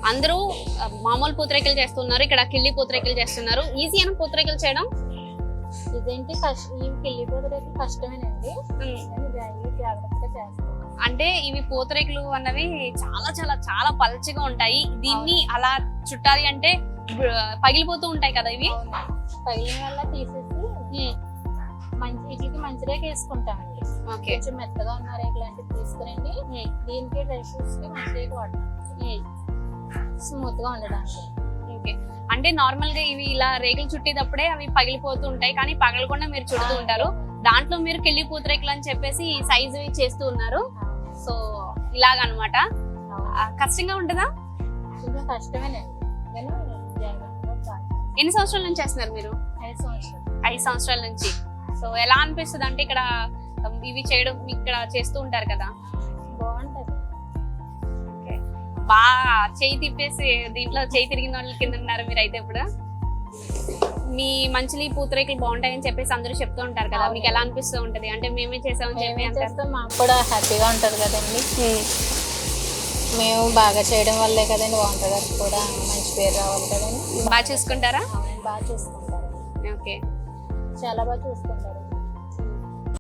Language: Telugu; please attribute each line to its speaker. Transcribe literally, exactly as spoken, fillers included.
Speaker 1: అందరూ ఆ, మామూలు పూతరేకులు చేస్తున్నారు, ఇక్కడ కిళ్ళి పూతరేకులు చేస్తున్నారు. ఈజీ అని పూతరేకులు చేయడం.
Speaker 2: ఇదేంటి కష్టం, ఈ కిల్లి పూతరేకులు కష్టమేనండి,
Speaker 1: ఉమ్.
Speaker 2: కానీ జాగ్రత్త జాగ్రత్తగా చేస్తాం.
Speaker 1: అంటే ఇవి పూతరేకులు అన్నవి చాలా చాలా చాలా పల్చగా ఉంటాయి. దీన్ని అలా చుట్టాలి అంటే బ- పగిలిపోతూ ఉంటాయి కదా ఇవి.
Speaker 2: పగిలిన వల్ల తీసేసి మంచి వీటికి మంచి రేఖ వేసుకుంటామండి.
Speaker 1: ఓకే.
Speaker 2: కొంచెం మెత్తగా ఉన్న రేఖ లాంటివి తీసుకురండి, దీనికి డ్రై ఫ్రూట్స్ కి మంచి రేఖ వాడతాం స్మూత్ గా ఉండడానికి.
Speaker 1: ఓకే. అంటే నార్మల్ గా ఇవి ఇలా రేకులు చుట్టేటప్పుడే అవి పగిలిపోతూ ఉంటాయి, కానీ పగలకుండా మీరు చుడుతూ ఉంటారు. దాంట్లో మీరు కిళ్ళి పూతరేకులు అని చెప్పేసి సైజు చేస్తూ ఉన్నారు. సో ఇలాగనమాట. కష్టంగా ఉంటుందా?
Speaker 2: కొంచెం కష్టమేనండి, కానీ జాగ్రత్తగా చేస్తాం.
Speaker 1: ఎన్ని సంవత్సరాల నుంచి చేస్తున్నారు మీరు?
Speaker 2: ఐదు సంవత్సరాలు.
Speaker 1: ఐదు సంవత్సరాల నుంచి. సో ఎలా అనిపిస్తుంది అంటే ఇక్కడ ఇవి చేయడం, ఇక్కడ చేస్తూ ఉంటారు కదా,
Speaker 2: బాగుంటది.
Speaker 1: బాగా చేయి తిప్పేసి దీంట్లో చేయి తిరిగిన వాళ్ళ కింద ఉన్నారు మీరు అయితే. ఇప్పుడు మీ మంచిలి పూతరేకులు బాగుంటాయని చెప్పేసి అందరూ చెప్తూ ఉంటారు కదా, మీకు ఎలా అనిపిస్తూ ఉంటది? అంటే మేమే చేసామని చెప్పి
Speaker 2: మేమే
Speaker 1: అంటారు.
Speaker 2: చేస్తాం, మాకు కూడా హ్యాపీగా ఉంటది కదండి. మేము బాగా చేయడం వల్లే కదండి వంట గారికి కూడా మంచి పేరు రావాలి కదండి.
Speaker 1: బాగా చూసుకుంటారా?
Speaker 2: అవునండి, బాగా చూసుకుంటారు.
Speaker 1: ఓకే.
Speaker 2: చాలా బాగా చూసుకుంటారు.